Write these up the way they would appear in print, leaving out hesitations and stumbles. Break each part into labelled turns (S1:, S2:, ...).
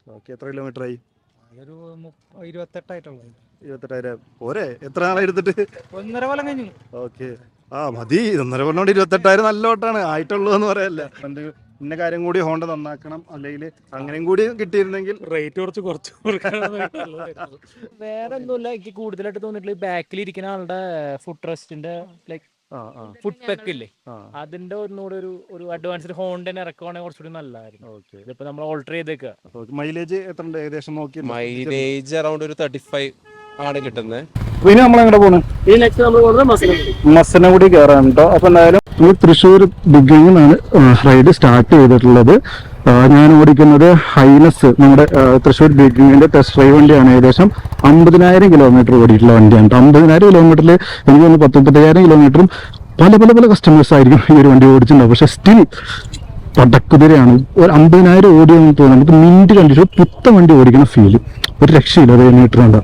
S1: Okay, എത്ര kilometre ആയി?
S2: അതൊരു 28
S1: 28,000 പോരെ? എത്ര നാളായി എടുത്തിട്ട്?
S2: 1.5 കൊല്ലം കഴിഞ്ഞു.
S1: ഓക്കെ, ആ മതി. 1.5 കൊല്ലം കൊണ്ട് 28,000 നല്ല ഓട്ടാണ്. ആയിട്ടുള്ളൂ എന്ന് പറയല്ല. എന്ത് ഇന്ന കാര്യം കൂടി ഹോണ്ട നന്നാക്കണം, അല്ലെങ്കിൽ അങ്ങനെയും കൂടി കിട്ടിയിരുന്നെങ്കിൽ
S2: റേറ്റ് കുറച്ച് വേറെ ഒന്നുമില്ല. എനിക്ക് കൂടുതലായിട്ട് തോന്നിയിട്ടുള്ള ബാക്കിൽ ഇരിക്കുന്ന ആളുടെ ഫുഡ് റെസ്റ്റിന്റെ ലൈക്ക് ഫുഡ് പെക്ക് ഇല്ലേ, അതിന്റെ ഒന്നുകൂടെ ഒരു അഡ്വാൻസ്ഡ് ഹോണ്ടനെ ഇറക്കുവാണെങ്കിൽ കുറച്ചുകൂടി നല്ലതായിരുന്നു. ഇതിപ്പോ നമ്മൾ ഓൾട്ടർ ചെയ്തേക്കുക.
S1: മൈലേജ് എത്ര ഉണ്ട് ഏകദേശം നോക്കി?
S3: മൈലേജ് അറൗണ്ട് ഒരു 35 ആണ് കിട്ടുന്നത്.
S1: പിന്നെ നമ്മളെങ്ങനെ പോണു? മസനഗുഡി കയറാൻ കേട്ടോ. അപ്പൊ എന്തായാലും ഈ തൃശ്ശൂർ ബിഗിനിൽ നിന്നാണ് റൈഡ് സ്റ്റാർട്ട് ചെയ്തിട്ടുള്ളത്. ഞാൻ ഓടിക്കുന്നത് ഹൈനസ്, നമ്മുടെ തൃശ്ശൂർ ബിഗിനിന്റെ ടെസ്റ്റ് ഡ്രൈവ് വണ്ടിയാണ്. ഏകദേശം 50,000 കിലോമീറ്റർ ഓടിയിട്ടുള്ള വണ്ടിയാണ്. 50,000 കിലോമീറ്ററിൽ എനിക്ക് തോന്നുന്നു 35,000 കിലോമീറ്ററും പല പല പല കസ്റ്റമേഴ്സ് ആയിരിക്കും ഈ ഒരു വണ്ടി ഓടിച്ചിട്ടുണ്ടാവും. പക്ഷെ സ്റ്റിൽ പടക്കുതിരയാണ്. ഒരു 50,000 ഓടിയെന്ന് തോന്നുന്നു. നമുക്ക് മിനിറ്റ് കണ്ടിട്ട് പുത്തൻ വണ്ടി ഓടിക്കുന്ന ഫീല് ഒരു രക്ഷയില്ല. അത് കഴിഞ്ഞിട്ടുണ്ട്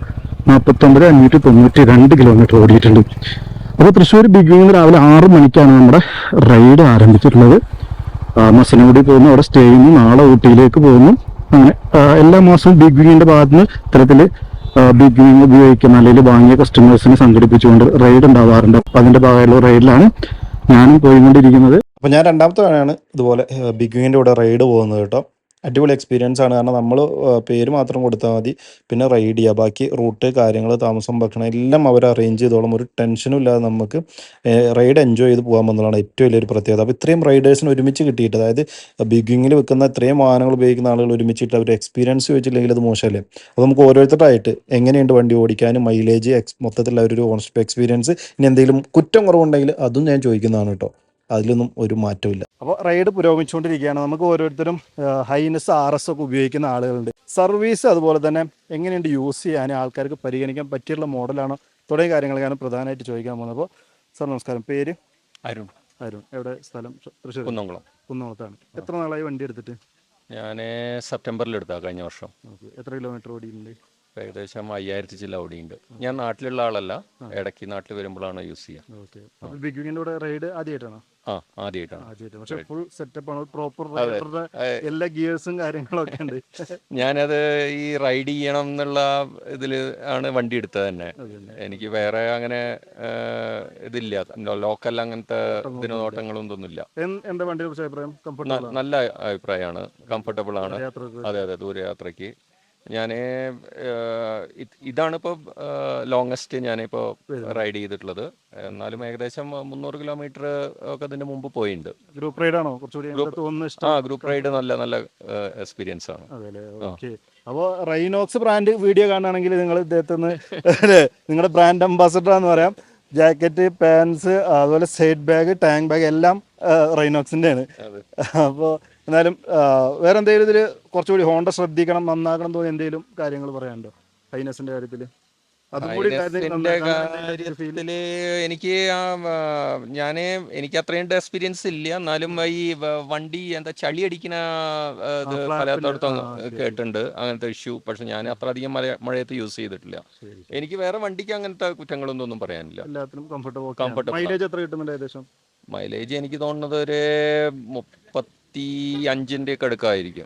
S1: 49,592 കിലോമീറ്റർ ഓടിയിട്ടുണ്ട്. അപ്പോൾ തൃശ്ശൂർ ബിഗിനിൽ രാവിലെ 6 മണിക്കാണ് നമ്മുടെ റൈഡ് ആരംഭിച്ചിട്ടുള്ളത്. മസനഗുഡി പോകുന്നു, അവിടെ സ്റ്റേ ചെയ്യുന്നു, നാളെ ഊട്ടിയിലേക്ക് പോകുന്നു. അങ്ങനെ എല്ലാ മാസവും ബിഗ് വിങ്ങിന്റെ ഭാഗത്ത് നിന്ന് ഇത്തരത്തിൽ ബിഗ് വിങ് ഉപയോഗിക്കുന്ന അല്ലെങ്കിൽ വാങ്ങിയ കസ്റ്റമേഴ്സിനെ സംഘടിപ്പിച്ചുകൊണ്ട് റൈഡ് ഉണ്ടാവാറുണ്ട്. അപ്പം അതിന്റെ ഭാഗമായുള്ള റൈഡിലാണ് ഞാനും പോയിക്കൊണ്ടിരിക്കുന്നത്. അപ്പോൾ ഞാൻ രണ്ടാമത്തെ തവണയാണ് ഇതുപോലെ ബിഗ് വിങ്ങിന്റെ കൂടെ റൈഡ് പോകുന്നത് കേട്ടോ. അടിപൊളി എക്സ്പീരിയൻസ് ആണ്. കാരണം നമ്മൾ പേര് മാത്രം കൊടുത്താൽ മതി, പിന്നെ റൈഡ് ചെയ്യുക. ബാക്കി റൂട്ട്, കാര്യങ്ങൾ, താമസം, ഭക്ഷണം എല്ലാം അവർ അറേഞ്ച് ചെയ്തോളും. ഒരു ടെൻഷനും ഇല്ലാതെ നമുക്ക് റൈഡ് എൻജോയ് ചെയ്ത് പോകാൻ എന്നുള്ളതാണ് ഏറ്റവും വലിയൊരു പ്രത്യേകത. അപ്പോൾ ഇത്രയും റൈഡേഴ്സിന് ഒരുമിച്ച് കിട്ടിയിട്ട്, അതായത് ബിഗിങ്ങിൽ വെക്കുന്ന ഇത്രയും വാഹനങ്ങൾ ഉപയോഗിക്കുന്ന ആളുകൾ ഒരുമിച്ചിട്ട് അവർ എക്സ്പീരിയൻസ് ചോദിച്ചില്ലെങ്കിൽ അത് മോശമല്ലേ? അപ്പോൾ നമുക്ക് ഓരോരുത്തരായിട്ട് എങ്ങനെയുണ്ട് വണ്ടി ഓടിക്കാനും, മൈലേജ്, മൊത്തത്തിലുള്ള ഒരു ഓണർഷിപ്പ് എക്സ്പീരിയൻസ്, ഇനി എന്തെങ്കിലും കുറ്റം കുറവുണ്ടെങ്കിൽ അതും ഞാൻ ചോദിക്കുന്നതാണ് കേട്ടോ. അതിലൊന്നും ഒരു മാറ്റമില്ല. അപ്പോൾ റൈഡ് പുരോഗമിച്ചുകൊണ്ടിരിക്കുകയാണ്. നമുക്ക് ഓരോരുത്തരും ഹൈനസ് RS ഒക്കെ ഉപയോഗിക്കുന്ന ആളുകളുണ്ട്. സർവീസ് അതുപോലെ തന്നെ എങ്ങനെയുണ്ട് യൂസ് ചെയ്യാൻ, ആൾക്കാർക്ക് പരിഗണിക്കാൻ പറ്റിയുള്ള മോഡലാണോ തുടങ്ങിയ കാര്യങ്ങളൊക്കെയാണ് പ്രധാനമായിട്ട് ചോദിക്കാൻ പോകുന്നത്. അപ്പോൾ സാർ നമസ്കാരം. പേര്?
S3: അരുൺ.
S1: എവിടെ സ്ഥലം? തൃശ്ശൂർ കുന്നംകുളത്താണ്. എത്ര നാളായി വണ്ടി എടുത്തിട്ട്?
S3: ഞാൻ സെപ്റ്റംബറിൽ എടുത്താ കഴിഞ്ഞ വർഷം.
S1: എത്ര കിലോമീറ്റർ ഓടിയിട്ടുണ്ട്?
S3: ഏകദേശം 5,000 ചില്ല ഓടിയുണ്ട്. ഞാൻ നാട്ടിലുള്ള ആളല്ല, ഇടയ്ക്ക് നാട്ടിൽ വരുമ്പോഴാണ് യൂസ് ചെയ്യുക.
S1: ബിഗ് വിങ്ങിന്റെ കൂടെ റൈഡ് ആദ്യമായിട്ടാണോ?
S3: ആദ്യമായിട്ടാണ്.
S1: പക്ഷെ ഫുൾ സെറ്റപ്പ് ആണ്, പ്രോപ്പർ റൈഡറുടെ എല്ലാ ഗിയേഴ്സും കാര്യങ്ങളൊക്കെ ഉണ്ട്.
S3: ഞാനത് ഈ റൈഡ് ചെയ്യണം എന്നുള്ള ഇതിൽ ആണ് വണ്ടി എടുത്തത് തന്നെ. എനിക്ക് വേറെ അങ്ങനെ ഇതില്ല, ലോക്കൽ അങ്ങനത്തെ ഇതിനോട്ടങ്ങളും ഒന്നുമില്ല.
S1: എന്താ വണ്ടിയെ കുറിച്ച് അഭിപ്രായം?
S3: നല്ല അഭിപ്രായമാണ്, കംഫർട്ടബിൾ ആണ്. അതെ, ദൂരയാത്രയ്ക്ക് ഞാൻ ഇതാണിപ്പോൾ ലോങ്ങസ്റ്റ് ഞാനിപ്പോൾ റൈഡ് ചെയ്തിട്ടുള്ളത്. എന്നാലും ഏകദേശം 300 കിലോമീറ്റർ ഒക്കെ അതിന്റെ മുമ്പ് പോയിട്ടുണ്ട്.
S1: ഗ്രൂപ്പ് റൈഡ് ആണോ കുറച്ചുകൂടി?
S3: ഗ്രൂപ്പ് റൈഡ് നല്ല എക്സ്പീരിയൻസ് ആണ്.
S1: അപ്പോൾ റൈനോക്സ് ബ്രാൻഡ് വീഡിയോ കാണുകയാണെങ്കിൽ നിങ്ങൾ ഇദ്ദേഹത്തിന് നിങ്ങളുടെ ബ്രാൻഡ് അംബാസഡർ എന്ന് പറയാം. ജാക്കറ്റ്, പാൻസ്, അതുപോലെ സൈഡ് ബാഗ്, ടാങ്ക് ബാഗ് എല്ലാം റൈനോക്സിൻ്റെ ആണ്. അപ്പോൾ എന്നാലും വേറെ എന്തെങ്കിലും ഇതിൽ കുറച്ചുകൂടി ഹോണ്ട ശ്രദ്ധിക്കണം, നന്നാക്കണം തോന്നി എന്തെങ്കിലും കാര്യങ്ങൾ പറയാനുണ്ടോ ഹൈനസിന്റെ കാര്യത്തിൽ?
S3: എനിക്ക് അത്രയും എക്സ്പീരിയൻസ് ഇല്ല. എന്നാലും ഈ വണ്ടി എന്താ ചളി അടിക്കുന്ന ഇത് പലയിടത്തും കേട്ടിട്ടുണ്ട്, അങ്ങനത്തെ ഇഷ്യൂ. പക്ഷെ ഞാൻ അത്ര അധികം മഴയത്ത് യൂസ് ചെയ്തിട്ടില്ല. എനിക്ക് വേറെ വണ്ടിക്ക് അങ്ങനത്തെ കുറ്റങ്ങളൊന്നും പറയാനില്ല.
S1: എല്ലാത്തിനും കംഫർട്ടബിൾ. മൈലേജ് എത്ര കിട്ടുന്നുണ്ട് ഏകദേശം?
S3: മൈലേജ് എനിക്ക് തോന്നുന്നത് ഒരു 35 ഒക്കെ അടുക്കായിരിക്കും.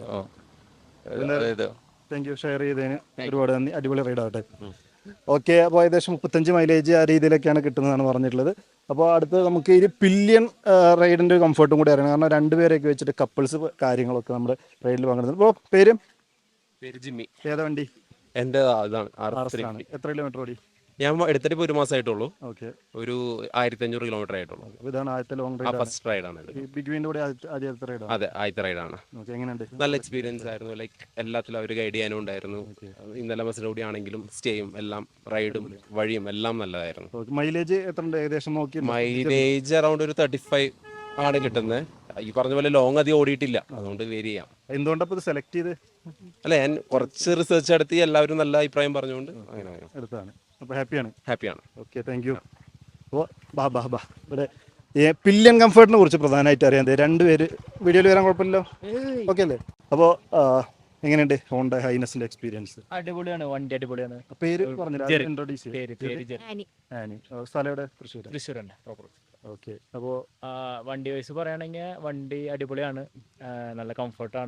S1: താങ്ക് യു, ഷെയർ ചെയ്തതിന് ഒരുപാട് നന്ദി. അടിപൊളി റൈഡ് ആവട്ടെ. ഓക്കെ, അപ്പോൾ ഏകദേശം 35 മൈലേജ് ആ രീതിയിലൊക്കെയാണ് കിട്ടുന്നതാണ് പറഞ്ഞിട്ടുള്ളത്. അപ്പോൾ അടുത്ത് നമുക്ക് ഈ പില്യൺ റൈഡിൻ്റെ കംഫർട്ടും കൂടി അറിയണം. കാരണം 2 പേരെയൊക്കെ വെച്ചിട്ട് കപ്പിൾസ് കാര്യങ്ങളൊക്കെ നമ്മുടെ റൈഡിൽ പങ്കെടുക്കുന്നത്. ഇപ്പോൾ പേര്
S3: ജിമ്മി.
S1: ഏതാ വണ്ടി?
S3: എൻ്റെ അതാണ്.
S1: എത്ര കിലോമീറ്റർ ഓടി?
S3: ഞാൻ എടുത്തിട്ട് ഇപ്പോൾ 1 മാസമായിട്ടുള്ളൂ.
S1: ഓക്കെ,
S3: ഒരു 1,500 കിലോമീറ്റർ ആയിട്ടുള്ളൂ.
S1: ഇതാണ് ആദ്യത്തെ ലോങ് റൈഡ്,
S3: ഫസ്റ്റ് റൈഡാണ്.
S1: ബിഗ് വിങ്ങിന്റെ കൂടെ ആദ്യത്തെ റൈഡ്?
S3: അതെ, ആദ്യത്തെ റൈഡാണ്.
S1: എങ്ങനെയുണ്ട്?
S3: നല്ല എക്സ്പീരിയൻസ് ആയിരുന്നു. ലൈക്ക് എല്ലാത്തിലും അവർ ഗൈഡ് ചെയ്യാനും ഉണ്ടായിരുന്നു. ഇന്നലെ മസനഗുഡി ആണെങ്കിലും സ്റ്റേയും എല്ലാം റൈഡും വഴിയും എല്ലാം നല്ലതായിരുന്നു.
S1: മൈലേജ് എത്ര ഉണ്ട് ഏകദേശം നോക്കി?
S3: മൈലേജ് അറൗണ്ട് ഒരു 35 ആണ് കിട്ടുന്നത്. ഈ പറഞ്ഞ പോലെ ലോങ് അധികം ഓടിയിട്ടില്ല, അതുകൊണ്ട് വേരി ചെയ്യാം.
S1: എന്തുകൊണ്ടപ്പോൾ ഇത് സെലക്ട് ചെയ്ത്?
S3: അല്ല, ഞാൻ കുറച്ച് റിസർച്ച് നടത്തി, എല്ലാവരും നല്ല അഭിപ്രായം പറഞ്ഞുകൊണ്ട് അങ്ങനെ
S1: എടുത്താണ്. അപ്പോൾ ഹാപ്പിയാണ്. Okay, thank you. അപ്പോൾ ബാ ഇവിടെ പില്യൺ കംഫർട്ടിനെ കുറിച്ച് പ്രധാനമായിട്ട് അറിയാം. 2 പേര് വീഡിയോയിൽ വരാൻ കുഴപ്പമില്ലല്ലോ? ഓക്കെ അല്ലേ? അപ്പോൾ എങ്ങനെയുണ്ട് ഹോണ്ട ഹൈനസിന്റെ എക്സ്പീരിയൻസ്?
S2: അടിപൊളിയാണ്, വണ്ടി അടിപൊളിയാണ്.
S1: പേര് പറഞ്ഞില്ല, ഇൻട്രോഡ്യൂസ്
S2: ആനി.
S1: സ്ഥലം എവിടെ?
S2: തൃശ്ശൂർ തന്നെ പ്രോപ്പർ.
S1: ഓക്കെ, അപ്പോൾ
S2: വണ്ടി വൈസ് പറയുകയാണെങ്കിൽ വണ്ടി അടിപൊളിയാണ്, നല്ല കംഫർട്ടാണ്.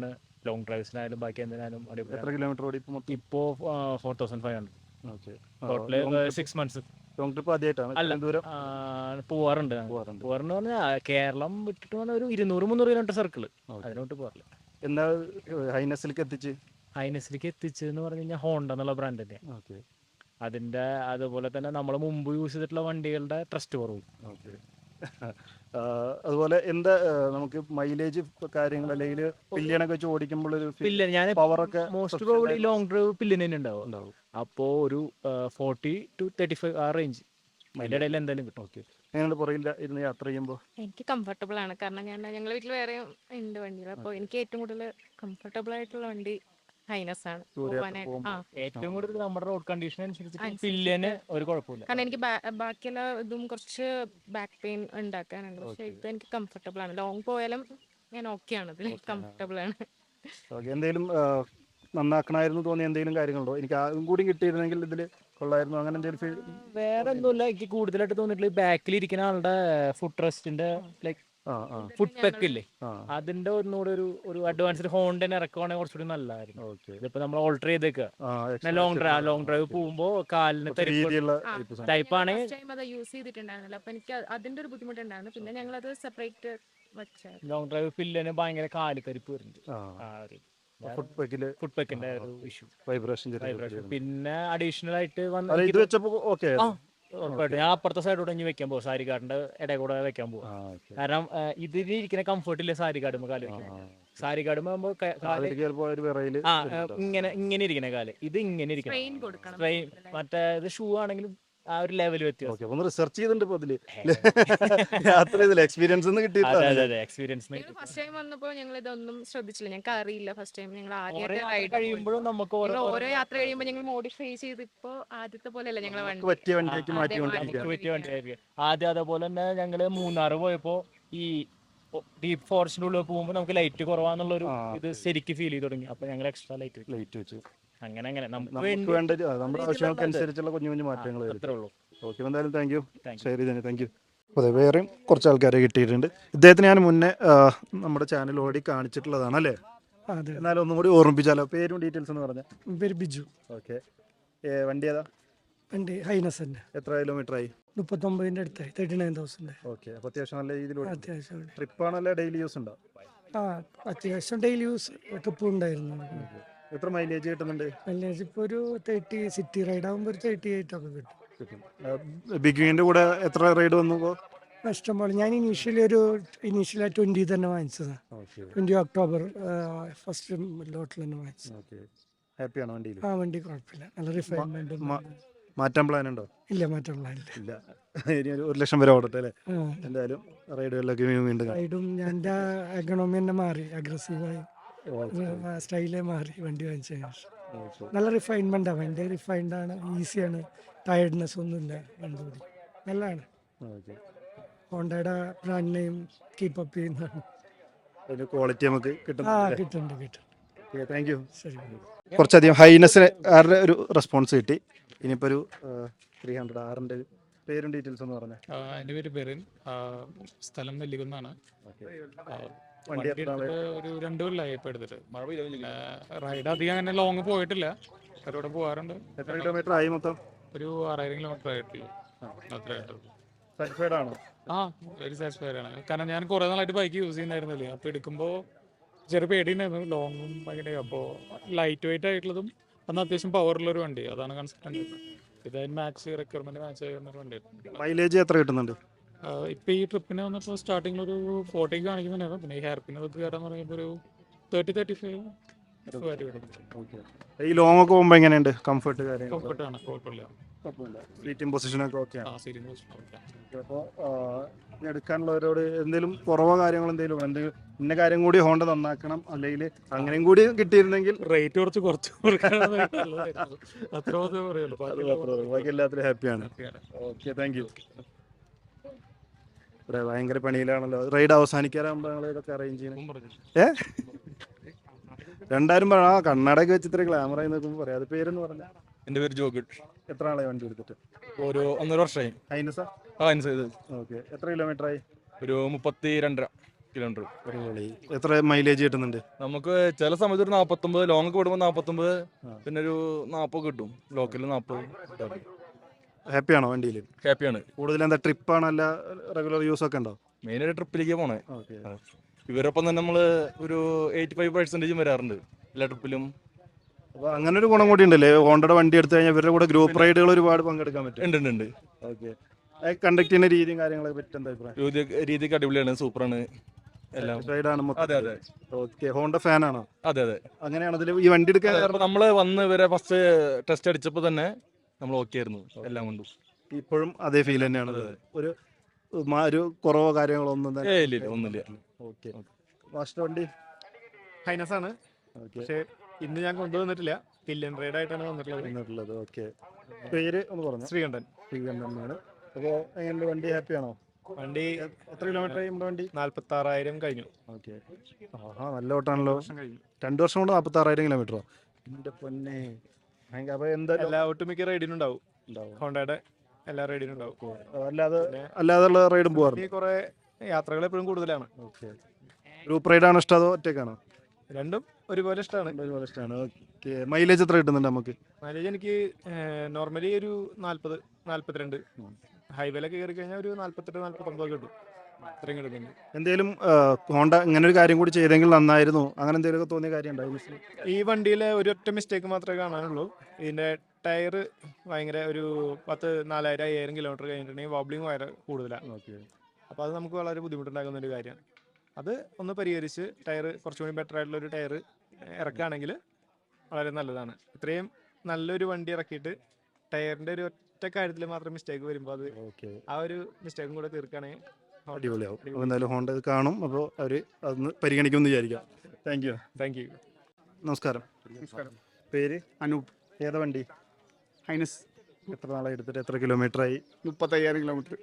S2: ലോങ് ഡ്രൈവ്സിനായാലും ബാക്കി എന്തിനായാലും
S1: എത്ര
S2: അടിപൊളിയാണ്.
S1: കിലോമീറ്റർ ഓടി ഇപ്പോൾ?
S2: ഇപ്പോൾ 4500
S1: okay.
S2: Total 6 months.
S1: Long trip ആദ്യമായിട്ടാണ്
S2: അല്ല
S1: ഇത്രയും ദൂരം
S2: പോവാറുണ്ട്.
S1: പോകാറുണ്ട്?
S2: പോവാറെന്ന് പറഞ്ഞാൽ കേരളം വിട്ടിട്ട് വന്ന ഒരു 200-300 കിലോമീറ്റർ സർക്കിൾ അതിനോട്ട് പോകാറില്ല.
S1: എന്നാ ഹൈനസിലേക്ക് എത്തിച്ച്?
S2: ഹൈനസിലേക്ക് എത്തിച്ചെന്ന് പറഞ്ഞു കഴിഞ്ഞാൽ ഹോണ്ട എന്നുള്ള ബ്രാൻഡ് തന്നെ.
S1: ഓക്കെ.
S2: അതിൻ്റെ അതുപോലെ തന്നെ നമ്മൾ മുമ്പ് യൂസ് ചെയ്തിട്ടുള്ള വണ്ടികളുടെ ട്രസ്റ്റ് കുറവും.
S1: ഓക്കെ. അതുപോലെ എന്താ നമുക്ക് മൈലേജ് കാര്യങ്ങൾ അല്ലെങ്കിൽ പില്ലിയനൊക്കെ വെച്ച് ഓടിക്കുമ്പോൾ ഒരു
S2: പില്ലൻ ഞാൻ
S1: പവറൊക്കെ
S2: മോസ്റ്റ് പ്രോബബ്ലി ലോങ് ഡ്രൈവ് പില്ലിന് തന്നെ ഉണ്ടാവും. അപ്പോൾ ഒരു 40 to 35 ആ റേഞ്ച് അതിൻ്റെ ഇടയിൽ എന്തായാലും കിട്ടും.
S1: ഓക്കെ. എങ്ങനെയാണ് പുറകിൽ ഇരുന്ന് യാത്ര ചെയ്യുമ്പോൾ?
S4: എനിക്ക് കംഫർട്ടബിൾ ആണ്, കാരണം ഞങ്ങളുടെ വീട്ടിൽ വേറെ ഉണ്ട് വണ്ടികൾ. അപ്പോൾ എനിക്ക് ഏറ്റവും കൂടുതൽ കംഫർട്ടബിൾ ആയിട്ടുള്ള വണ്ടി ഹൈനസ് ആണ് പോകാനായിട്ട്.
S2: ഏറ്റവും കൂടുതൽ നമ്മുടെ റോഡ് കണ്ടീഷൻ അനുസരിച്ച് പില്ലിന് ഒരു കുഴപ്പമില്ല.
S4: കാരണം എനിക്ക് ബാക്കിയുള്ള ഇതും കുറച്ച് ബാക്ക് പെയിൻ ഉണ്ടാക്കാനുണ്ട്. പക്ഷെ ഇത് എനിക്ക് കംഫർട്ടബിൾ ആണ്. ലോങ് പോയാലും ഞാൻ ഓക്കെ ആണ്, ഇതിൽ കംഫർട്ടബിൾ ആണ്.
S1: എന്തെങ്കിലും നന്നാക്കണമായിരുന്നു തോന്നിയ എന്തെങ്കിലും കാര്യങ്ങളുണ്ടോ? എനിക്ക് അതും കൂടി കിട്ടിയിരുന്നെങ്കിൽ ഇതിൽ കൊള്ളായിരുന്നു, അങ്ങനെ എന്തെങ്കിലും?
S2: വേറെ ഒന്നുമില്ല, എനിക്ക് കൂടുതലായിട്ട് തോന്നിയിട്ടുള്ള ബാക്കിൽ ഇരിക്കുന്ന ആളുടെ ഫുഡ് റെസ്റ്റിന്റെ ലൈക്ക് ഫുഡ് പെക്ക് ഇല്ലേ, അതിന്റെ ഒന്നുകൂടെ ഒരു അഡ്വാൻസ്ഡ് ഹോണ്ടനെ ഇറക്കുവാണെങ്കിൽ കുറച്ചുകൂടി നല്ലതായിരുന്നു. ഇതിപ്പോ നമ്മൾ ഓൾട്ടർ ചെയ്തേക്കുക ലോങ് ഡ്രൈവ് പോകുമ്പോ കാലിന് ടൈപ്പ് ആണെങ്കിൽ
S4: അത് യൂസ് ചെയ്തിട്ടുണ്ടായിരുന്നില്ല. അപ്പൊ എനിക്ക് അതിന്റെ ഒരു ബുദ്ധിമുട്ടുണ്ടായിരുന്നു. പിന്നെ ഞങ്ങൾ അത് സെപ്പറേറ്റ് വെച്ചായിരുന്നു.
S2: ലോങ് ഡ്രൈവ് പില്ലിന് ഭയങ്കര കാല് തരിപ്പ് വരുന്നുണ്ട്. ഫുഡ് പെക്കിന്റെ ഒരു ഇഷ്യൂ, വൈബ്രേഷൻ. പിന്നെ അഡീഷണൽ ആയിട്ട് ഞാൻ അപ്പുറത്തെ സൈഡോടെ ഇനി വെക്കാൻ പോകും, സാരി കാർഡിന്റെ ഇടയിൽ കൂടെ വെക്കാൻ പോകും. കാരണം ഇതിൽ ഇരിക്കുന്ന കംഫർട്ട് ഇല്ല സാരി കാർഡുമ്പോ കാല് വെക്കാൻ. സാരി കാർഡുമ്പോ ഇങ്ങനെ ഇരിക്കുന്ന കാല്, ഇത് ഇങ്ങനെ ഇരിക്കണം. മറ്റേ ഇത് ഷൂ ആണെങ്കിലും ആ ഒരു ലെവൽ വ്യത്യാസം.
S1: റിസർച്ച് ചെയ്തിട്ടുണ്ട് എക്സ്പീരിയൻസ്
S4: ഫസ്റ്റ് ടൈം വന്നപ്പോൾ ഞങ്ങൾ ഇതൊന്നും ശ്രദ്ധിച്ചില്ല, ഞങ്ങൾക്ക് അറിയില്ല. ഫസ്റ്റ് ടൈം ഞങ്ങൾ
S2: കഴിയുമ്പോഴും നമുക്ക്
S4: ഓരോ യാത്ര കഴിയുമ്പോൾ ഞങ്ങൾ മോഡിഫൈ ചെയ്ത് ഇപ്പൊ ആദ്യത്തെ പോലെയല്ല ഞങ്ങൾ
S1: പറ്റിയ വണ്ടിയാക്കി
S2: മാറ്റി. ആദ്യം അതേപോലെ തന്നെ ഞങ്ങള് മൂന്നാറ് പോയപ്പോ ഈ ഡീപ് ഫോറസ്റ്റിന്റെ ഉള്ളിൽ പോകുമ്പോ നമുക്ക് ലൈറ്റ് കുറവാന്നുള്ളൊരു ഇത് ശരിക്കും ഫീൽ ചെയ്ത് തുടങ്ങി. അപ്പൊ ഞങ്ങൾ എക്സ്ട്രാ ലൈറ്റ് വെച്ചു. അങ്ങനെ
S1: നമുക്ക് വേണ്ട നമ്മുടെ ആവശ്യങ്ങൾക്കനുസരിച്ചുള്ള കുഞ്ഞു കുഞ്ഞു മാറ്റങ്ങൾ. ഓക്കെ, എന്തായാലും താങ്ക് യു. ശരി തന്നെ, താങ്ക് യു. അതെ, വേറെയും കുറച്ച് ആൾക്കാരെ കിട്ടിയിട്ടുണ്ട്. ഇദ്ദേഹത്തിന് ഞാൻ മുന്നേ നമ്മുടെ ചാനൽ ഓടി കാണിച്ചിട്ടുള്ളതാണ് അല്ലേ? എന്നാലും ഒന്നും കൂടി ഓർമ്മിപ്പിച്ചാലോ? പേരും ഡീറ്റെയിൽസ് എന്ന് പറഞ്ഞാൽ.
S5: പേര് ബിജു.
S1: ഓക്കെ. വണ്ടി ഏതാ?
S5: വണ്ടി ഹൈനസ് തന്നെ.
S1: എത്ര കിലോമീറ്റർ ആയി?
S5: 39 അടുത്തായി, 39,000.
S1: ഓക്കെ. അപ്പോൾ അത്യാവശ്യം നല്ല രീതിയിൽ
S5: അത്യാവശ്യം
S1: ട്രിപ്പാണല്ലേ? ഡെയിലി യൂസ് ഉണ്ടോ?
S5: അത്യാവശ്യം ഡെയിലി യൂസ് ട്രിപ്പ് ഉണ്ടായിരുന്നു.
S1: എത്ര മൈലേജ് കിട്ടുന്നുണ്ട്?
S5: മൈലേജ് ഇപ്പോൾ ഒരു 30, സിറ്റി റൈഡ് ആകുമ്പോൾ ഒരു 38 ഒക്കെ കിട്ടും.
S1: ബിഗിങ്ങിന്റെ കൂടെ എത്ര റൈഡ് വന്നു?
S5: ഇഷ്ടംപോലെ. ഞാൻ ഇനീഷ്യലി 20 തന്നെ വാങ്ങിച്ചതാണ്. 20 ഒക്ടോബർ ഫസ്റ്റ് ലോട്ടിൽ തന്നെ വാങ്ങിച്ചത്.
S1: ഹാപ്പിയാണോ വണ്ടിയിൽ?
S5: വണ്ടി കുഴപ്പമില്ല, നല്ല റിഫൈൻമെന്റ്.
S1: മാറ്റാൻ പ്ലാൻ ഉണ്ടോ?
S5: ഇല്ല, മാറ്റാൻ പ്ലാൻ ഇല്ല.
S1: ഇനി 1 ലക്ഷം വരെ ഓടട്ടെ അല്ലേ? എന്തായാലും റൈഡുകളിലൊക്കെ വീണ്ടും
S5: റൈഡും ഞാൻ എക്കണോമി തന്നെ മാറി, അഗ്രസീവായി സ്റ്റൈലേ മാറി വണ്ടി വാങ്ങിച്ച ശേഷം. നല്ല റിഫൈൻമെന്റാണ് വണ്ടി, റിഫൈൻഡ് ആണ്, ഈസിയാണ്, ടയർഡ്നെസ് ഒന്നുമില്ല. വണ്ടി നല്ലതാണ്. ഹോണ്ടയുടെ ബ്രാൻഡ് നെയിം കീപ്പ് അപ്പ് ചെയ്യുന്നതാണ്.
S1: ക്വാളിറ്റി നമുക്ക്
S5: കിട്ടുന്നുണ്ട്.
S1: Thank you.
S5: ശരി.
S1: കുറച്ചധികം ഹൈനസിന് ആരുടെ ഒരു റെസ്പോൺസ് കിട്ടി. ഇനിയിപ്പോൾ ഒരു 300 ആറിൻ്റെ പേരും ഡീറ്റെയിൽസ് ഒന്ന് പറഞ്ഞാൽ.
S6: എൻ്റെ പേര് ബെറിൻ, സ്ഥലം നെല്ലിക്കുന്നാണ്.
S1: വണ്ടി
S6: ഒരു 2 കൊല്ലമായി ഇപ്പോൾ എടുത്തിട്ട്. റൈഡ് അധികം അങ്ങനെ ലോങ് പോയിട്ടില്ല, അവരോട് പോകാറുണ്ട്.
S1: എത്ര കിലോമീറ്റർ ആയി മൊത്തം?
S6: ഒരു 6000 കിലോമീറ്റർ ആയിട്ടുള്ളൂ. അത്രയായിട്ടുള്ളൂ.
S1: സാറ്റിസ്ഫൈഡ് ആണോ?
S6: വെരി സാറ്റിസ്ഫൈഡ് ആണ്. കാരണം ഞാൻ കുറേ നാളായിട്ട് ബൈക്ക് യൂസ് ചെയ്യുന്നായിരുന്നില്ലേ, അപ്പോൾ എടുക്കുമ്പോൾ ചെറിയ പേടിയുണ്ടായിരുന്നു, ലോങ്ങും ഭയങ്കര. അപ്പോൾ ലൈറ്റ് വെയിറ്റ് ആയിട്ടുള്ളതും അന്ന് അത്യാവശ്യം പവറുള്ളൊരു വണ്ടി, അതാണ് കൺസിഡർ. ഇതായത് മാക്സ് റിക്വയർമെന്റ് മാച്ച് ചെയ്യുന്നൊരു വണ്ടിയായിരുന്നു.
S1: മൈലേജ് എത്ര കിട്ടുന്നുണ്ട്?
S6: ഇപ്പം ഈ ട്രിപ്പിന് വന്നപ്പോൾ സ്റ്റാർട്ടിങ്ങിൽ ഒരു 40 കാണിക്കുന്നുണ്ടായിരുന്നു. പിന്നെ ഈ ഹെയർ പിൻ ഒക്കെ കയറാന്ന് പറയുമ്പോൾ ഒരു 30-35
S1: ഈ ലോങ് ഒക്കെ പോകുമ്പോൾ എങ്ങനെയുണ്ട്? കംഫർട്ട് കാര്യങ്ങൾ?
S6: കംഫർട്ടാണ്, കുഴപ്പമില്ല.
S1: സീറ്റിംഗ് പൊസിഷനൊക്കെ ഓക്കെയാണ്.
S6: Seating position okay.
S1: അപ്പോൾ എടുക്കാനുള്ളവരോട് എന്തെങ്കിലും കുറവോ കാര്യങ്ങളോ എന്തെങ്കിലും ഇന്ന കാര്യം കൂടി ഹോണ്ട നന്നാക്കണം, അല്ലെങ്കിൽ അങ്ങനെയും കൂടി കിട്ടിയിരുന്നെങ്കിൽ
S6: റേറ്റ് കുറച്ച് അത്ര പറയുള്ളൂ.
S1: ബാക്കി എല്ലാത്തിലും ഹാപ്പിയാണ്. Okay, thank you. ഇവിടെ ഭയങ്കര പണിയിലാണല്ലോ. റൈഡ് അവസാനിക്കാറാകുമ്പോൾ ഞങ്ങൾ ഇതൊക്കെ അറേഞ്ച് ചെയ്യണം. 2000 കണ്ണടയൊക്കെ വെച്ച് ഇത്ര ഗ്ലാമർ ആയി നോക്കുമ്പോൾ പറയാം. അത് പേരെന്ന് പറഞ്ഞാൽ?
S7: എൻ്റെ പേര് ജോഗിഡ്.
S1: എത്ര ആളെ വണ്ടി എടുത്തിട്ട്?
S7: ഒരു 1.5 വർഷമായി.
S1: ഹൈനസാ?
S7: ഹൈനസ്.
S1: ഓക്കെ. എത്ര കിലോമീറ്റർ ആയി?
S7: ഒരു 32.5. കിലോമീറ്റർ.
S8: അടിപൊളി. എത്ര മൈലേജ് കിട്ടുന്നുണ്ട്?
S7: നമുക്ക് ചില സമയത്ത് ഒരു 49, ലോങ് ഒക്കെ വിടുമ്പോൾ 49, പിന്നെ ഒരു 40 കിട്ടും. ലോക്കലിൽ 40.
S8: ഹാപ്പിയാണോ വണ്ടിയിൽ?
S7: ഹാപ്പിയാണ്.
S8: കൂടുതൽ എന്താ ട്രിപ്പാണോ അല്ല റെഗുലർ യൂസ് ഒക്കെ ഉണ്ടോ?
S7: മെയിനായിട്ട് ട്രിപ്പിലേക്ക് പോണേ.
S8: ഓക്കെ.
S7: ഇവരൊപ്പം തന്നെ നമ്മൾ ഒരു 85% വരാറുണ്ട് എല്ലാ ട്രിപ്പിലും.
S8: അപ്പോൾ അങ്ങനെ ഒരു ഗുണം കൂടി ഉണ്ടല്ലേ, ഹോണ്ടയുടെ വണ്ടി എടുത്തു കഴിഞ്ഞാൽ ഇവരുടെ കൂടെ ഗ്രൂപ്പ് റൈഡുകൾ ഒരുപാട് പങ്കെടുക്കാൻ പറ്റും.
S7: ഉണ്ട്.
S8: ഓക്കെ. കണ്ടക്ട് ചെയ്യുന്ന രീതിയും കാര്യങ്ങളൊക്കെ പറ്റി എന്താ അഭിപ്രായം?
S7: രീതിക്ക് അടിപൊളിയാണ്, സൂപ്പറാണ് എല്ലാം.
S8: റൈഡാണ് മൊത്തം.
S7: അതെ.
S8: ഓക്കെ. ഹോണ്ട ഫാനാണോ?
S7: അതെ.
S8: അങ്ങനെയാണ് അതിൽ ഈ വണ്ടി എടുക്കാൻ
S7: അപ്പോൾ നമ്മൾ വന്ന് ഇവരെ ഫസ്റ്റ് ടെസ്റ്റ് അടിച്ചപ്പോൾ തന്നെ നമ്മൾ ഓക്കെ ആയിരുന്നു എല്ലാം കൊണ്ടും.
S8: ഇപ്പോഴും അതേ ഫീൽ തന്നെയാണ്. ഒരു കുറവോ കാര്യങ്ങളോ ഒന്നും തന്നെ
S7: ഇല്ല, ഒന്നുമില്ല.
S8: ഓക്കെ. മാസ്റ്റർ വണ്ടി
S6: ഹൈനസ് ആണ്. പക്ഷേ ഇന്ന് ഞാൻ കൊണ്ടുവന്നിട്ടില്ല, പില്യൻ റൈഡ് ആയിട്ടാണ്
S8: വന്നിട്ടുള്ളത്. ഓക്കെ. പേര് ഒന്ന് പറഞ്ഞു? ശ്രീകണ്ഠനാണ്. അപ്പോൾ എങ്ങനെ വണ്ടി ഹാപ്പിയാണോ?
S6: വണ്ടി
S8: എത്ര കിലോമീറ്റർ ആയി നമ്മുടെ വണ്ടി?
S6: 46,000 കഴിഞ്ഞു.
S8: ഓക്കെ. നല്ല ഓട്ടാണല്ലോ. 2 വർഷം കൊണ്ട് 46,000 കിലോമീറ്ററോ? എൻ്റെ പൊന്നെ. അപ്പോൾ എന്താ
S6: എല്ലാ ഒട്ടുമിക്ക റൈഡിനും ഉണ്ടാവും. ഹോണ്ടയുടെ എല്ലാ റൈഡിനും ഉണ്ടാവും.
S8: അല്ലാതെയുള്ള റൈഡും പോകാറുണ്ട്?
S6: കുറെ യാത്രകൾ എപ്പോഴും കൂടുതലാണ്.
S8: ഓക്കെ. ഗ്രൂപ്പ് റൈഡാണോ ഇഷ്ടം അതോ ഒറ്റയ്ക്കാണോ?
S6: രണ്ടും ഒരുപോലെ ഇഷ്ടമാണ്.
S8: ഓക്കെ. മൈലേജ് എത്ര കിട്ടുന്നുണ്ട് നമുക്ക്?
S6: മൈലേജ് എനിക്ക് നോർമലി ഒരു 40, 42. ഹൈവേയിലൊക്കെ കയറി കഴിഞ്ഞാൽ ഒരു 48, 49 കിട്ടും. അത്രയും കിട്ടുന്നുണ്ട്.
S8: എന്തെങ്കിലും ഹോണ്ട ഇങ്ങനെ ഒരു കാര്യം കൂടി ചെയ്തെങ്കിൽ നന്നായിരുന്നു, അങ്ങനെ എന്തെങ്കിലുമൊക്കെ തോന്നിയ കാര്യം ഉണ്ടായിരുന്നു?
S6: ഈ വണ്ടിയിലെ ഒരൊറ്റ മിസ്റ്റേക്ക് മാത്രമേ കാണാനുള്ളൂ. ഇതിൻ്റെ ടയർ ഭയങ്കര ഒരു 4,000-5,000 കിലോമീറ്റർ കഴിഞ്ഞിട്ടുണ്ടെങ്കിൽ വോബ്ലിംഗ് ഭയങ്കര കൂടുതലാണ്.
S8: ഓക്കെ.
S6: അപ്പോൾ അത് നമുക്ക് വളരെ ബുദ്ധിമുട്ടുണ്ടാകുന്ന ഒരു കാര്യമാണ്. അത് ഒന്ന് പരിഹരിച്ച് ടയർ കുറച്ചുകൂടി ബെറ്റർ ആയിട്ടുള്ളൊരു ടയർ ഇറക്കുകയാണെങ്കിൽ വളരെ നല്ലതാണ്. ഇത്രയും നല്ലൊരു വണ്ടി ഇറക്കിയിട്ട് ടയറിൻ്റെ ഒരു ഒറ്റ കാര്യത്തിൽ മാത്രം മിസ്റ്റേക്ക് വരുമ്പോൾ അത് ആ ഒരു മിസ്റ്റേക്കും കൂടെ തീർക്കുകയാണെങ്കിൽ
S8: അടിപൊളിയാവും. അപ്പോൾ എന്തായാലും ഹോണ്ട ഇത് കാണും, അപ്പോൾ അവർ അതൊന്ന് പരിഗണിക്കുമെന്ന് വിചാരിക്കാം. Thank you. നമസ്കാരം. പേര്?
S9: അനൂപ്.
S8: ഏതാ വണ്ടി?
S9: ഹൈനസ്.
S8: എത്ര നാളായി എടുത്തിട്ട്? എത്ര കിലോമീറ്റർ ആയി?
S9: 35,000 കിലോമീറ്റർ.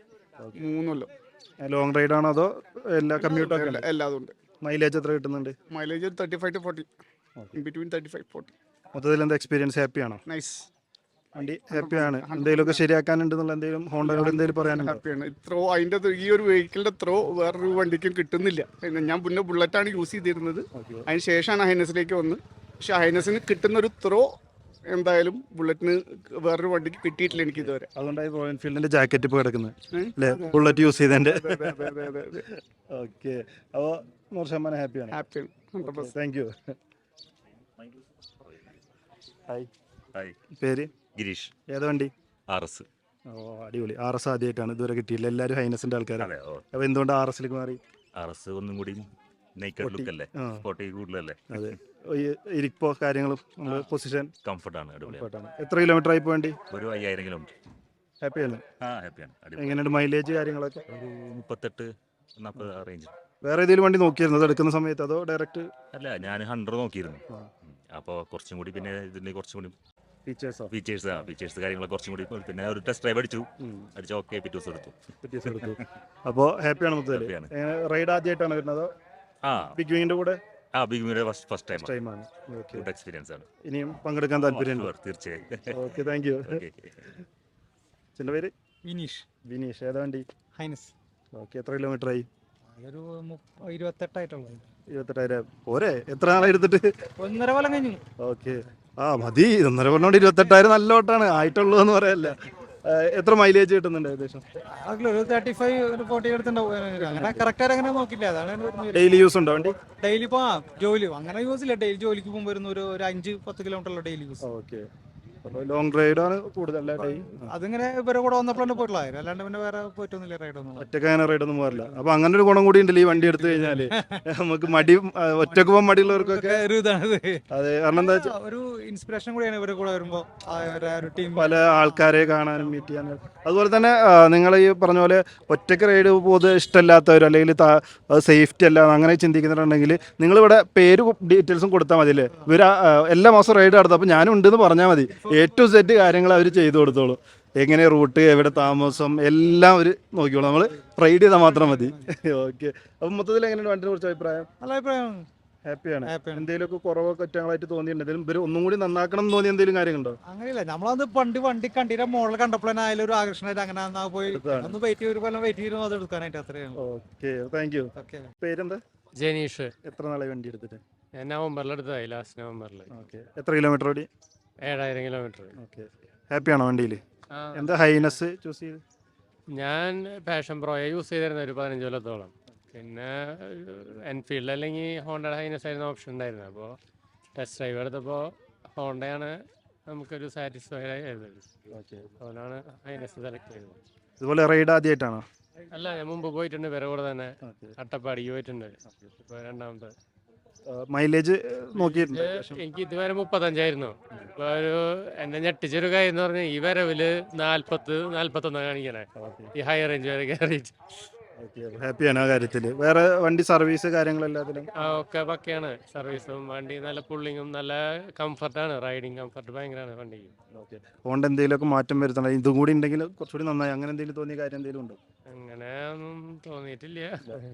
S9: 3 കൊല്ലം.
S8: ലോങ് റൈഡാണോ അതോ എല്ലാ കമ്മ്യൂട്ടൊക്കെ?
S9: എല്ലാതും ഉണ്ട്.
S8: മൈലേജ് എത്ര കിട്ടുന്നുണ്ട്?
S9: Mileage 35 to 40. ബിറ്റ്വീൻ 35-40.
S8: മൊത്തത്തിൽ എന്താ എക്സ്പീരിയൻസ്? ഹാപ്പിയാണോ?
S9: നൈസ്.
S8: വണ്ടി ഹാപ്പിയാണ്. എന്തെങ്കിലുമൊക്കെ ശരിയാക്കാനുണ്ടെന്നുള്ള എന്തെങ്കിലും ഹോണ്ടയോട് എന്തെങ്കിലും പറയാനുണ്ടോ?
S9: ഹാപ്പിയാണ്. അതിൻ്റെ ഈ ഒരു വെഹിക്കിളിൻ്റെ വേറൊരു വണ്ടിക്കും കിട്ടുന്നില്ല. ഞാൻ പിന്നെ ബുള്ളറ്റാണ് യൂസ് ചെയ്തിരുന്നത്. അതിന് ശേഷമാണ് ഹൈനസിലേക്ക് വന്ന്. പക്ഷെ ഹൈനസിന് കിട്ടുന്ന ഒരു എന്തായാലും ബുള്ളറ്റിന് വേറൊരു വണ്ടിക്ക് കിട്ടിയിട്ടില്ല എനിക്ക് ഇതുവരെ.
S8: അതുകൊണ്ടായി റോയൽ എൻഫീൽഡിന്റെ ജാക്കറ്റ് ഇപ്പോൾ കിടക്കുന്നത് അല്ലേ, ബുള്ളറ്റ് യൂസ് ചെയ്തതിന്റെ. ഓക്കെ. അപ്പോൾ 100% ഹാപ്പിയാണ്. Thank you. ഹായ്. പേര്?
S10: ഗിരീഷ്.
S8: ഏതാ വണ്ടി?
S10: RS.
S8: അടിപൊളി. RS ആദ്യമായിട്ടാണ്, ഇതുവരെ കിട്ടിയില്ല. എല്ലാവരും ഹൈനസിന്റെ ആൾക്കാരാണ്. അപ്പോൾ എന്തുകൊണ്ട് RSലേക്ക് മാറി?
S10: RS ഒന്നും കൂടി നെയ്ക്കഡ് ലുക്ക് അല്ലേ, സ്പോർട്ടി കൂടുതലല്ലേ.
S8: അതെ. ഇരിപ്പോ കാര്യങ്ങളും പൊസിഷൻ
S10: കംഫർട്ടാണ്, അടിപൊളിയാണ്.
S8: എത്ര കിലോമീറ്റർ ആയി പോകേണ്ടി?
S10: ഒരു 5,000 കിലോമീറ്റർ.
S8: ഹാപ്പിയാണ്?
S10: ഹാപ്പിയാണ്.
S8: എങ്ങനെയുണ്ട് മൈലേജ് കാര്യങ്ങളൊക്കെ?
S10: ഒരു 38-40 റേഞ്ച്.
S8: വേറെ ഏതെങ്കിലും വണ്ടി നോക്കിയിരുന്നു അത് എടുക്കുന്ന സമയത്ത് അതോ ഡയറക്റ്റ്?
S10: അല്ല, ഞാൻ 100 നോക്കിയിരുന്നു. അപ്പോൾ കുറച്ചും കൂടി പിന്നെ ഇതിൻ്റെ കുറച്ചും കൂടി ഫീച്ചേഴ്സ് കാര്യങ്ങളൊക്കെ കുറച്ചും കൂടി, പിന്നെ ഒരു ടെസ്റ്റ് ഡ്രൈവ് അടിച്ചു. ഓക്കെ, പിറ്റേ ദിവസം എടുത്തു. അപ്പോൾ ഹാപ്പിയാണ് മൊത്തത്തിൽ? റൈഡ് ആദ്യമായിട്ടാണ് വരുന്നത്? ബിഗ് വിങ്ങിന്റെ കൂടെ? ബിഗ് വിങ്ങിന്റെ ഫസ്റ്റ് ടൈമാണ്. ഗുഡ് എക്സ്പീരിയൻസ് ആണ്. ഇനിയും പങ്കെടുക്കാൻ താല്പര്യമുണ്ട്? തീർച്ചയായും. Okay, thank U. ചിന്റെ പേര്? വിനീഷ്. ഏതാ വണ്ടി?
S6: ഹൈനസ്.
S8: ഓക്കെ. എത്ര കിലോമീറ്റർ ആയി?
S6: ഒരു 28
S8: 28,000 പോരെ? എത്ര നാളായി എടുത്തിട്ട്?
S6: 1.5 കൊല്ലം കഴിഞ്ഞു.
S8: ഓക്കെ. മതി. 1.5 കൊല്ലം കൊണ്ട് 28,000 നല്ല ഓട്ടാണ്. ആയിട്ടുള്ളൂ എന്ന് പറയല്ല. എത്ര മൈലേജ് കിട്ടുന്നുണ്ട് ഏകദേശം?
S6: 35-40 എടുത്തുണ്ടാവും. അങ്ങനെ കറക്റ്റായിട്ട് അങ്ങനെ നോക്കില്ല. അതാണ്.
S8: ഡെയിലി യൂസ് ഉണ്ടോ വണ്ടി?
S6: ഡെയിലി ജോലി അങ്ങനെ യൂസ് ഇല്ല. ഡെയിലി ജോലിക്ക് പോകുമ്പോൾ വരുന്ന ഒരു 5-10 kilometre daily use.
S8: Okay. Long റൈഡാണ് കൂടുതൽ?
S6: അതിങ്ങനെ ഇവരെ കൂടെ വന്നപ്പോഴാണ് പോയിട്ടുള്ള, അല്ലാണ്ട് പിന്നെ വേറെ പോയിട്ടൊന്നുമില്ല റൈഡൊന്നും.
S8: ഒറ്റക്ക് അങ്ങനെ റൈഡൊന്നും പോകാറില്ല. അപ്പൊ അങ്ങനെ ഒരു ഗുണം കൂടി ഉണ്ടല്ലോ ഈ വണ്ടി എടുത്തു കഴിഞ്ഞാല്. നമുക്ക് മടി, ഒറ്റക്ക് പോകാൻ മടിയുള്ളവർക്കൊക്കെ
S6: ഒരു ഇതാണ്.
S8: അതെ. കാരണം എന്താ വെച്ചാൽ
S6: ഒരു ഇൻസ്പിറേഷൻ കൂടിയാണ് ഇവരെ കൂടെ വരുമ്പോ.
S8: പല ആൾക്കാരെ കാണാനും മീറ്റ് ചെയ്യാനും. അതുപോലെ തന്നെ നിങ്ങൾ ഈ പറഞ്ഞ പോലെ ഒറ്റക്ക് റൈഡ് പൊതുവെ ഇഷ്ടമല്ലാത്തവർ അല്ലെങ്കിൽ സേഫ്റ്റി അല്ല അങ്ങനെ ചിന്തിക്കുന്നുണ്ടെങ്കിൽ നിങ്ങളിവിടെ പേര് ഡീറ്റെയിൽസും കൊടുത്താൽ മതി അല്ലേ. ഇവർ എല്ലാ മാസം റൈഡ് നടത്തും. അപ്പോൾ ഞാനും ഉണ്ടെന്ന് പറഞ്ഞാൽ മതി. A to Z കാര്യങ്ങൾ അവർ ചെയ്തു കൊടുത്തോളൂ. എങ്ങനെ റൂട്ട്, എവിടെ താമസം, എല്ലാം അവർ നോക്കിക്കോളൂ. നമ്മൾ റൈഡ് ചെയ്താൽ മാത്രം മതി. ഓക്കെ. അപ്പം മൊത്തത്തിൽ എങ്ങനെയാണ് വണ്ടിനെ കുറിച്ച് അഭിപ്രായം?
S6: നല്ല അഭിപ്രായമാണ്.
S8: ഹാപ്പിയാണ്.
S6: ഹാപ്പിയാണ്.
S8: എന്തെങ്കിലുമൊക്കെ കുറവോ കുറ്റങ്ങളായിട്ട് തോന്നിയിട്ടുണ്ട്, എന്തെങ്കിലും ഇവര് ഒന്നും കൂടി നന്നാക്കണം എന്ന് തോന്നിയ എന്തെങ്കിലും കാര്യങ്ങളുണ്ടോ?
S6: അങ്ങനെയില്ല, നമ്മളത് വണ്ടി കണ്ടിട്ട് മോഡൽ കണ്ടപ്പോൾ തന്നെ അതിലൊരു ആകർഷണമായിട്ട് അങ്ങനെ എന്നാ പോയി
S8: എടുത്തതാണ്.
S6: ഒന്ന് വെയിറ്റ് ചെയ്തിരുന്നു അത് എടുക്കാനായിട്ട്. അത്രയാണ്.
S8: Okay, thank you.
S6: ഓക്കെ.
S8: പേരെന്താ?
S2: ജനീഷ്.
S8: എത്ര നാളെ വണ്ടി എടുത്തിട്ട്?
S2: ഞാൻ നവംബറിലെടുത്തതായി, ലാസ്റ്റ് നവംബറിൽ.
S8: ഓക്കെ, എത്ര കിലോമീറ്റർ ഓടി?
S2: 7000 കിലോമീറ്റർ.
S8: ഓക്കെ, ഹാപ്പിയാണോ വണ്ടിയിൽ? എന്താ ഹൈനസ് ചൂസ് ചെയ്ത്?
S2: ഞാൻ പാഷൻ പ്രോയെ യൂസ് ചെയ്തിരുന്ന ഒരു 15 കൊല്ലത്തോളം. പിന്നെ എൻഫീൽഡ് അല്ലെങ്കിൽ ഹോണ്ട ഹൈനസ് ആയിരുന്ന ഓപ്ഷൻ ഉണ്ടായിരുന്നു. അപ്പോൾ ടെസ്റ്റ് ഡ്രൈവ് എടുത്തപ്പോൾ ഹോണ്ടയാണ് നമുക്കൊരു സാറ്റിസ്ഫൈഡ് ആയത്. അതുകൊണ്ടാണ് ഹൈനസ് സെലക്ട് ചെയ്തത്.
S8: ഇതുപോലെ റൈഡ് ആദ്യമായിട്ടാണോ?
S2: അല്ല, ഞാൻ മുമ്പ് പോയിട്ടുണ്ട്, വേറെ കൂടെ തന്നെ അട്ടപ്പാടിക്ക് പോയിട്ടുണ്ട്. ഇപ്പോൾ രണ്ടാമത്തെ.
S8: മൈലേജ് നോക്കിയിട്ടുണ്ട്?
S2: എനിക്ക് ഇതുവരെ 35 ഇപ്പോൾ എന്നെ ഞെട്ടിച്ചൊരു കാര്യം എന്ന് പറഞ്ഞാൽ ഈ വരവില് 40-41 കാണിക്കണേ, ഈ ഹൈ റേഞ്ച് വരെ കയറിയിട്ട്.
S8: ഹാപ്പിയാണ് ആ കാര്യത്തിൽ. വേറെ വണ്ടി സർവീസ് കാര്യങ്ങളെല്ലാത്തിലും
S2: ഒക്കെ പക്കയാണ്. സർവീസും വണ്ടി നല്ല പുള്ളിങ്ങും നല്ല കംഫർട്ടാണ്, റൈഡിങ് കംഫർട്ട് ഭയങ്കരമാണ് വണ്ടിക്ക്.
S8: ഹോണ്ട എന്തെങ്കിലുമൊക്കെ മാറ്റം വരുത്തണം, ഇതും കൂടി ഉണ്ടെങ്കിൽ കുറച്ചുകൂടി നന്നായി, അങ്ങനെ എന്തെങ്കിലും തോന്നിയ കാര്യം എന്തെങ്കിലും ഉണ്ടോ?
S2: അങ്ങനെ ഒന്നും തോന്നിയിട്ടില്ല.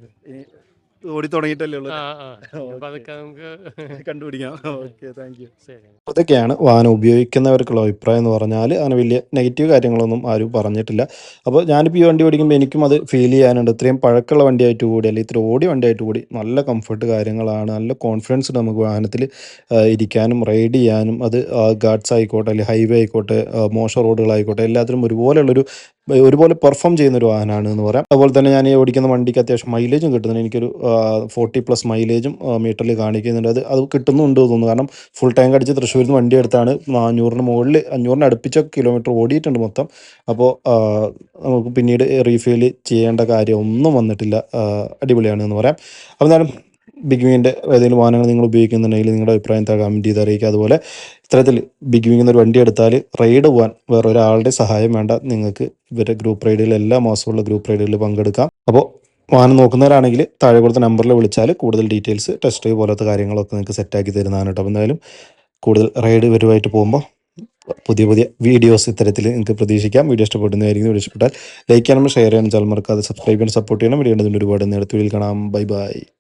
S8: ഓടി തുടങ്ങിയിട്ടല്ലേ ഉള്ളൂ,
S2: അപ്പൊ അതൊക്കെ നമുക്ക്
S8: കണ്ടുപിടിക്കാം. Okay, thank you.
S2: ശരി.
S1: അതൊക്കെയാണ് വാഹനം ഉപയോഗിക്കുന്നവർക്കുള്ള അഭിപ്രായം എന്ന് പറഞ്ഞാൽ. അങ്ങനെ വലിയ നെഗറ്റീവ് കാര്യങ്ങളൊന്നും ആരും പറഞ്ഞിട്ടില്ല. അപ്പോൾ ഞാനിപ്പോൾ ഈ വണ്ടി ഓടിക്കുമ്പോൾ എനിക്കും അത് ഫീൽ ചെയ്യാനുണ്ട്. ഇത്രയും പഴക്കമുള്ള വണ്ടിയായിട്ട് കൂടി, അല്ലെങ്കിൽ ഇത്ര ഓടിയ വണ്ടിയായിട്ട് കൂടി നല്ല കംഫർട്ട് കാര്യങ്ങളാണ്, നല്ല കോൺഫിഡൻസ് നമുക്ക് വാഹനത്തിൽ ഇരിക്കാനും റൈഡ് ചെയ്യാനും. അത് ഗാർഡ്സ് ആയിക്കോട്ടെ, അല്ലെങ്കിൽ ഹൈവേ ആയിക്കോട്ടെ, മോശം റോഡുകളായിക്കോട്ടെ, എല്ലാത്തിലും ഒരുപോലെ പെർഫോം ചെയ്യുന്ന ഒരു വാഹനമാണ് എന്ന് പറയാം. അതുപോലെ തന്നെ ഞാൻ ഈ ഓടിക്കുന്ന വണ്ടിക്ക് അത്യാവശ്യം മൈലേജും കിട്ടുന്നുണ്ട്. എനിക്കൊരു 40+ മൈലേജും മീറ്ററിൽ കാണിക്കുന്നുണ്ട്. അത് കിട്ടുന്നുണ്ട് തോന്നുന്നു. കാരണം ഫുൾ ടാങ്ക് അടിച്ച് തൃശ്ശൂരിൽ നിന്ന് വണ്ടി എടുത്താണ് 400 മുകളിൽ 500 അടുപ്പിച്ച കിലോമീറ്റർ ഓടിയിട്ടുണ്ട് മൊത്തം. അപ്പോൾ നമുക്ക് പിന്നീട് റീഫിൽ ചെയ്യേണ്ട കാര്യം ഒന്നും വന്നിട്ടില്ല. അടിപൊളിയാണ് എന്ന് പറയാം. അപ്പോൾ എന്തായാലും ബിഗ് വിങ്ങിൻ്റെ ഏതെങ്കിലും വാഹനങ്ങൾ നിങ്ങൾ ഉപയോഗിക്കുന്നുണ്ടെങ്കിൽ നിങ്ങളുടെ അഭിപ്രായം കമൻറ്റ് ചെയ്ത് അറിയിക്കുക. അതുപോലെ ഇത്തരത്തിൽ ബിഗ് വിങ്ങിൽ ഒരു വണ്ടി എടുത്താൽ റൈഡ് പോകാൻ വേറെ ഒരാളുടെ സഹായം വേണ്ട. നിങ്ങൾക്ക് ഇവരുടെ ഗ്രൂപ്പ് റൈഡുകൾ എല്ലാ മാസമുള്ള ഗ്രൂപ്പ് റൈഡുകളിൽ പങ്കെടുക്കാം. അപ്പോൾ വാഹനം നോക്കുന്നവരാണെങ്കിൽ താഴെ കൊടുത്ത നമ്പറിൽ വിളിച്ചാൽ കൂടുതൽ ഡീറ്റെയിൽസ്, ടെസ്റ്റ് ഡ്രൈവ് പോലത്തെ കാര്യങ്ങളൊക്കെ നിങ്ങൾക്ക് സെറ്റാക്കി തരുന്നതാണ് കേട്ടോ. അപ്പോൾ എന്തായാലും കൂടുതൽ റൈഡ് ഇവരുമായിട്ട് പോകുമ്പോൾ പുതിയ വീഡിയോസ് ഇത്തരത്തിൽ നിങ്ങൾക്ക് പ്രതീക്ഷിക്കാം. വീഡിയോ ഇഷ്ടപ്പെടുന്നതായിരിക്കും. വീഡിയോ ഇഷ്ടപ്പെട്ടാൽ ലൈക്ക് ചെയ്യണം, ഷെയർ ചെയ്യണം, ചാനൽ മറക്കാതെ സബ്സ്ക്രൈബ് ചെയ്യാൻ സപ്പോർട്ട് ചെയ്യണം. വീഡിയോ ഒരുപാട് നേരത്തെ കാണാം. Bye by.